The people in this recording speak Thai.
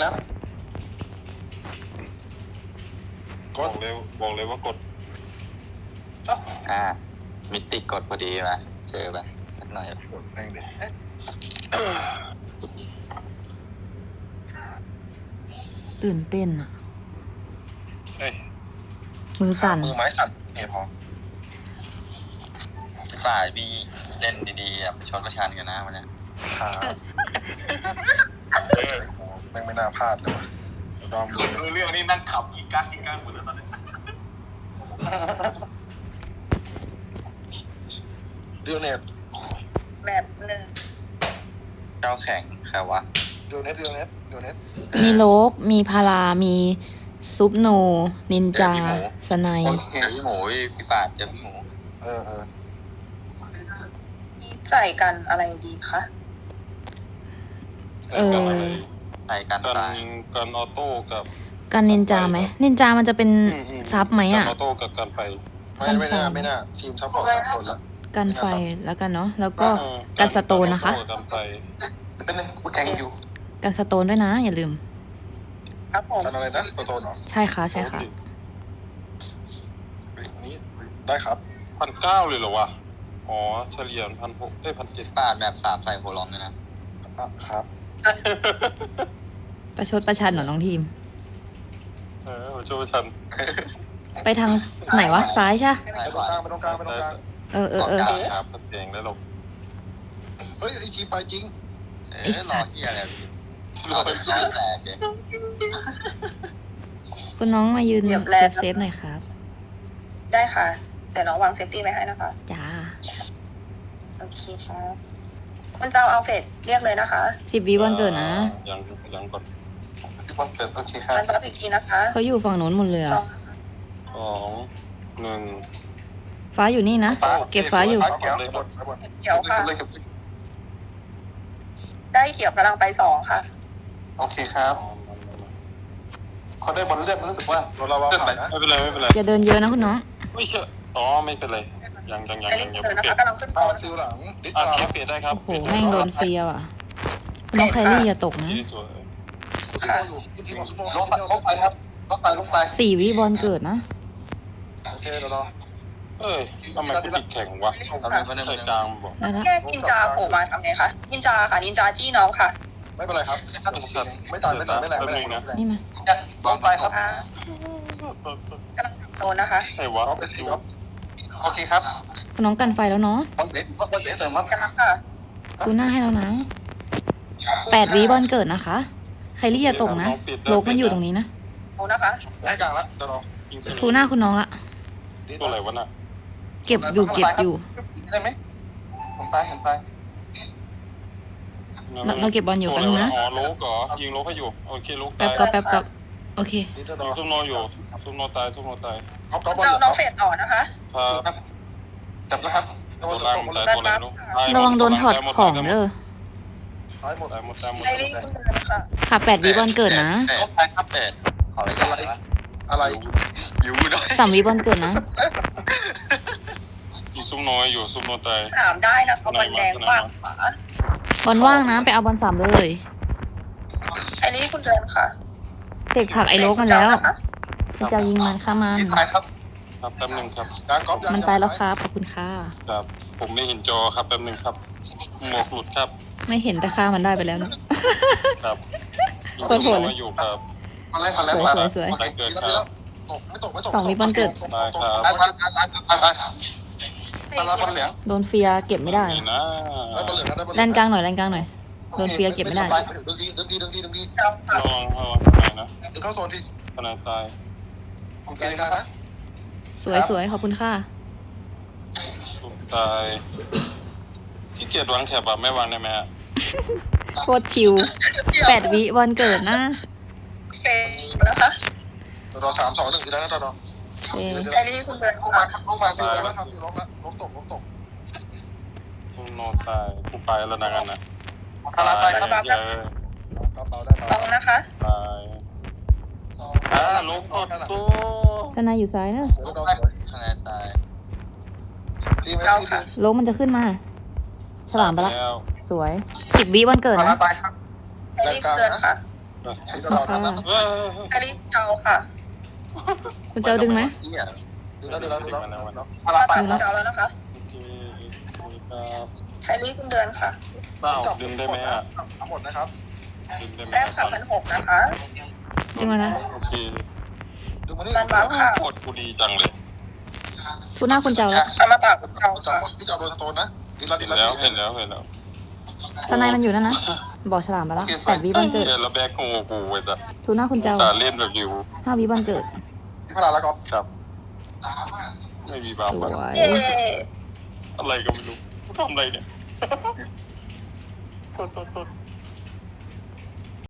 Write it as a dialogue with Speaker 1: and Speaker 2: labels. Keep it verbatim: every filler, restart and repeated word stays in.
Speaker 1: แล้ว
Speaker 2: กดเลยบอกเลยว่ากด
Speaker 3: อ่ามิติกดพอดีมาเจอไปสักหน่อย
Speaker 2: กดแม่งดิ
Speaker 4: ตื่นเต้นอ่ะ
Speaker 2: เฮ้ย
Speaker 4: มือสั่น
Speaker 2: มือไม้สั่นเนี่ยพอ
Speaker 3: ฝ่ายพี่เล่นดีๆแบบชนประชันกันนะวันนี้
Speaker 2: ขาเออแม่งไม่น่าพลาดเลยว่ะดอม
Speaker 3: คนรู้เรื่องนี่นั่งขับกินก้างกินก้างหมดแล้วตอนนี้
Speaker 2: เดียวเน็ต
Speaker 5: แบบหนึ่ง
Speaker 3: เจ้าแข่งใครวะ
Speaker 2: เดียวเน็ตเดียวเน็ตเดียวเน็ต
Speaker 4: มีโลก มีพารา มีซุปโน นินจา สไน
Speaker 3: โอเคพี่หมูพี่ปาดเจอพี่หมู
Speaker 2: เออเออ
Speaker 5: ใส่กันอะไรดีคะ
Speaker 4: เออ
Speaker 3: ใส่กัน
Speaker 2: กัน
Speaker 3: ตาย
Speaker 2: กันออโต้กับ
Speaker 4: กันนินจาไหม นินจามันจะเป็นซับไหม
Speaker 2: กัน
Speaker 4: อ่ะ
Speaker 2: ออโต้กับกันไป
Speaker 4: กั
Speaker 2: ไม่
Speaker 4: นไฟ
Speaker 2: ไม่น่าไม่น่าทีมซัพพอร์ตสามคนละ
Speaker 4: กันไฟแล้วกันเนาะ แล้วก็กันสโตนนะคะ
Speaker 2: กันไฟ
Speaker 3: เป็นไงกูแข่งอยู่
Speaker 4: กันสโตนด้วยนะ อย่าลืม
Speaker 5: ครับผม
Speaker 2: กันอะไรนะตัวโตนเหรอ
Speaker 4: ใช่ค่ะ ใช่ค่ะ
Speaker 2: อันนี้ได้ครับพันเก้าเลยเหรอวะอ๋อเฉลี่ยพันหกได้พันเจ็ด
Speaker 3: ปาดแบบสามใส่โคลองด้วยนะ
Speaker 2: อ่ะครับ
Speaker 4: ประชดประชันเหรอน้องทีม
Speaker 2: เออโจชัน
Speaker 4: ไปทางไหนวะ ซ้ายใช่
Speaker 3: ใส่
Speaker 2: ไป
Speaker 3: ข
Speaker 2: ตรง
Speaker 3: วาก
Speaker 2: ลางไปตรงกลางไปตรงกลาง
Speaker 4: เออเออเออ
Speaker 2: ครับเสียงได้หรอกเฮ้ยไอทีมไปจริง
Speaker 3: เออรอที่อะไรพี่เอาไปแตกเลย
Speaker 4: คุณน้องมายืนเซฟเซฟหน่อยครับ
Speaker 5: ได้ค่ะ แต่น้องวางเซฟตี้ไว้ให้นะคะ
Speaker 4: จ้า
Speaker 5: โอเคครับคุณเจ้าเอาเฟดเรียกเลยนะคะ
Speaker 4: สิบวิวันเกิดนะ
Speaker 2: ยังยังก่อนวันเกิดโอเคครับ
Speaker 5: การรับอีกทีนะคะ
Speaker 4: เขาอยู่ฝั่งโน้นหมดเลย
Speaker 5: สอ
Speaker 4: อะ
Speaker 5: ง
Speaker 2: สองหนึ่ง
Speaker 4: ฟ้าอยู่นี่นะ เก็บฟ้าอยู่
Speaker 2: เขียวเลยบนบน
Speaker 5: เขียวค่ะ ได้เขียวกำลังไปสองค่ะ
Speaker 1: โอเคครับเขาได้บอลเลือดรู้สึกว่า
Speaker 2: เราเราว่าผ่านนะไม่เป็นไรไม่เป็นไร
Speaker 4: อย่าเดินเยอะนะคุณน้อง ไม่
Speaker 2: ไม่เชื่ออ๋อไม่เป็นไรยังยังยัง
Speaker 5: ไอ้
Speaker 2: ยั
Speaker 5: ลิ
Speaker 2: ง
Speaker 5: ง
Speaker 2: ยัง
Speaker 5: เลย
Speaker 2: ไม่
Speaker 5: นะ
Speaker 2: เปลี่ย
Speaker 5: คะ
Speaker 2: น
Speaker 5: กำลังขึ้น
Speaker 2: อ่า
Speaker 5: สอง
Speaker 2: คิวหลังดิ
Speaker 4: อ่ะ
Speaker 2: เราเปลี่ยนได้ครับ
Speaker 4: โอ้โหแม่งโดนเฟียว่ะคุณน้องแครี่อย่าตกนะ
Speaker 2: ที่สวยซุปโมอยู่ทีมทีมของซุปโม
Speaker 1: ลงไปลงไปครับลงไปลงไป
Speaker 4: สี่วิบอลเกิดนะ
Speaker 2: โอเคเดี๋ยวรอเอ้ยทำไมกูติดแข่งวะ
Speaker 3: ทำไมไม่ได้
Speaker 2: ใส่
Speaker 3: ไม่
Speaker 2: ก
Speaker 3: ได้
Speaker 2: ลางบอก
Speaker 4: ได้แล้ว
Speaker 5: แก้นินจาโผล่มาทำไงคะนินจาค่ะนินจาจี้น้องค่ะ
Speaker 2: ไม่เป็นไรครับไม่ตายไม่ตายไม่แรงไม่แรงไม่แรง
Speaker 4: นี่มา
Speaker 1: ลงไปครับ
Speaker 5: อ่ากำลังโซนนะคะ
Speaker 2: ไอ้วะเอาไปสิครับ
Speaker 1: โอเคครับ
Speaker 4: คุณน้องกันไฟแล้วเนาะ
Speaker 1: บอลเสร็จบอลเสร็จเสริมครับ
Speaker 5: กำลังค่ะ
Speaker 4: ดูหน้าให้แล้วนะแปดวิบอลเกิดนะคะใครรี่อย่าตกนะโลกมันอยู่ตรงนี้นะ
Speaker 5: โซนนะคะ
Speaker 2: ให้กลางละเดี๋ยวรอ
Speaker 4: ทูหน้าคุณน้องละ
Speaker 2: ตัวอะไรวะน่ะ
Speaker 4: เก็บอยู่เก็บอยู่
Speaker 1: ได้ไหมผมไปผมไป
Speaker 4: เราเราเก็บบอลอยู่แป๊บนึงนะ
Speaker 2: อ๋อโลกเหรอยิงโลกให้อยู่โอเคโลก
Speaker 4: แป๊
Speaker 2: ตา
Speaker 4: บ
Speaker 2: ย
Speaker 4: ก็แป๊บก็โอเค
Speaker 2: ซุปโนอยู่ซุปโนตายซุปโนตายเอากอล์ฟบอล
Speaker 5: เจ้าน้องเฟดต่อนะคะ
Speaker 2: ครับ
Speaker 1: จับแล้วครับ
Speaker 2: ตัวล่างตายตัวแรงลูก
Speaker 4: ระวังโดนถอดของเด้อ
Speaker 2: ตายหมดตายหมดตายหมด
Speaker 5: ไอ้ลิงคุณเดินค่ะ
Speaker 4: ค่ะแปดวิบอลเกิดนะ
Speaker 3: ลงไปครับเป็ดขออะไรกันวะ
Speaker 2: อะไร
Speaker 3: อยู่ด้วย
Speaker 4: สามวิบอลเกิดนะ
Speaker 2: ซุปน้อยอยู่ซุปโนตาย
Speaker 5: ถามได้นะคะบอลแดงกว้างขวา
Speaker 4: บอลว่างนะไปเอาบอลสามเลย
Speaker 5: ไอ้ลิงคุณเดินค่ะ
Speaker 4: เสกผักไอ้โลกมันแล้วคุณจะยิงมันข้ามัน
Speaker 1: ที่ท้ายครับ
Speaker 2: ครับแป๊บนึงครับกลางกอล์ฟ
Speaker 4: มันตายแล้วครับขอบคุณค่ะ
Speaker 2: ครับผมไม่เห็นจอครับแป๊บนึงครับหมวกหลุดครับ
Speaker 4: ไม่เห็นแต่ค่ามันได้ไปแล้วนะ
Speaker 2: ครับ
Speaker 4: โคตรโหดเลย
Speaker 2: อยู่ครับ
Speaker 1: มาเลยมาเลย
Speaker 4: สวย
Speaker 1: มา
Speaker 4: สวยสวย
Speaker 2: ใครเกิดครับ
Speaker 6: ตกไม่ตกไม่ตก
Speaker 4: สองวิบอลเกิด
Speaker 2: ได้ครับ
Speaker 1: ตายตายตายตายตายตายมาแล้วบอลเหลือง
Speaker 4: โดนเฟียเก็บไม่ได้
Speaker 2: นี่นะ
Speaker 6: ได้บอลเหลืองนะได้บอลเห
Speaker 4: แล
Speaker 6: ลือง
Speaker 4: นกลางหน่อยแลนกลางหน่อยโดนเฟียเก็บไม่ได้
Speaker 6: ดึงดีดึงดีดึงดีดึงดี
Speaker 5: เจ้าค่ะ
Speaker 2: ระวังระวังไหนนะ
Speaker 6: ดึงเข้าโซนพี่
Speaker 2: ขนาดตาย
Speaker 1: โอเค
Speaker 6: กลาง
Speaker 1: ค
Speaker 6: ก
Speaker 1: รั
Speaker 6: ลาง
Speaker 1: บ
Speaker 6: นะ
Speaker 4: สวยสวยขอบคุณค่ะ
Speaker 2: สุดตายขี้เกียจวางแถบแบบไม่วางได้ไหมฮะ
Speaker 4: โคตรชิวแปดวิบอลเกิดนะ
Speaker 5: เฟดนะคะ
Speaker 6: รอสามสองหนึ่งทีแล้วนะรอ
Speaker 4: โอเค
Speaker 5: ไอ้ลิงคุณเดิน
Speaker 6: ลูก
Speaker 5: ค่ะ
Speaker 6: มาลูกมาฟิวแล้วทำฟิวล็อกแล้วล็อกตกล็อกตก
Speaker 2: ซุนโนตายกูไปแล้วนะกันนะ
Speaker 1: คาราตาย
Speaker 2: เย
Speaker 1: ครับ
Speaker 2: อะ
Speaker 6: กระเป๋าได้
Speaker 5: สองนะคะ
Speaker 2: ตายอ่าลูกกดตัว
Speaker 4: ชนะอยู่ซ้ายนะ
Speaker 3: คะแนนตาย
Speaker 6: ทีมไหมทีม
Speaker 4: โลกมันจะขึ้นมา ฉลามไปละ
Speaker 2: แล้ว
Speaker 4: สวยสิบวิบอลเกิด
Speaker 1: คารา
Speaker 4: นะ
Speaker 1: ตายครับ
Speaker 5: ไอ้ลิงคุณเดินค่ะ
Speaker 6: นี่จะรอ
Speaker 4: ค่ะ
Speaker 6: ทำนะ
Speaker 2: เออ
Speaker 5: คาริเจ้าค่ะ
Speaker 4: คุณเจ้าดึงไหม
Speaker 3: เหี้ย
Speaker 6: ดูแล้วดูแล้วดูแล้วดูแล้ว
Speaker 5: มาตามคุณเจ้าแล้วนะคะ
Speaker 2: โอเคครับ
Speaker 5: คาริคุณเดือนค่ะ
Speaker 2: เปล่า
Speaker 6: จับ
Speaker 2: ดึงได้ไหมอ่ะ
Speaker 6: ทั้งหมดนะครับ
Speaker 2: ดึงได้ไหม
Speaker 5: แต้มสามพันหกนะคะ
Speaker 4: ดึงมานะ
Speaker 2: โอเค
Speaker 6: ดูมานี่
Speaker 5: มันบังค่ะ
Speaker 2: กดกูดีจังเลย
Speaker 4: ทูน่าคุณเจ้าแล้ว
Speaker 5: เอามาตามคุณเจ้า
Speaker 6: จับ
Speaker 5: ค่ะ
Speaker 6: พี่จับโดนสโตนนะดีละดี
Speaker 2: เห็น
Speaker 6: ละ
Speaker 2: แล้ว
Speaker 6: ดี
Speaker 2: เห็นแล้วเห็นแล้ว
Speaker 4: สไนมันอยู่นั่นนะ บอกฉลามไปแล้วแปดวิบอลเกิด
Speaker 2: เห็นแล้วแบกงูกูเว้ยจ้ะ
Speaker 4: ทูน่าคุณเจ้า
Speaker 2: ตาเล่นแบบอยู่
Speaker 4: ห้าวิบอลเกิด
Speaker 6: พี่พลาแล้วก็
Speaker 2: ครับ ไม่มีบาป
Speaker 4: ส
Speaker 2: อะ
Speaker 4: วย
Speaker 5: เย้
Speaker 2: อะไรก็ไม่รู้กูทำอะไรเนี่ยโทษโทษโทษ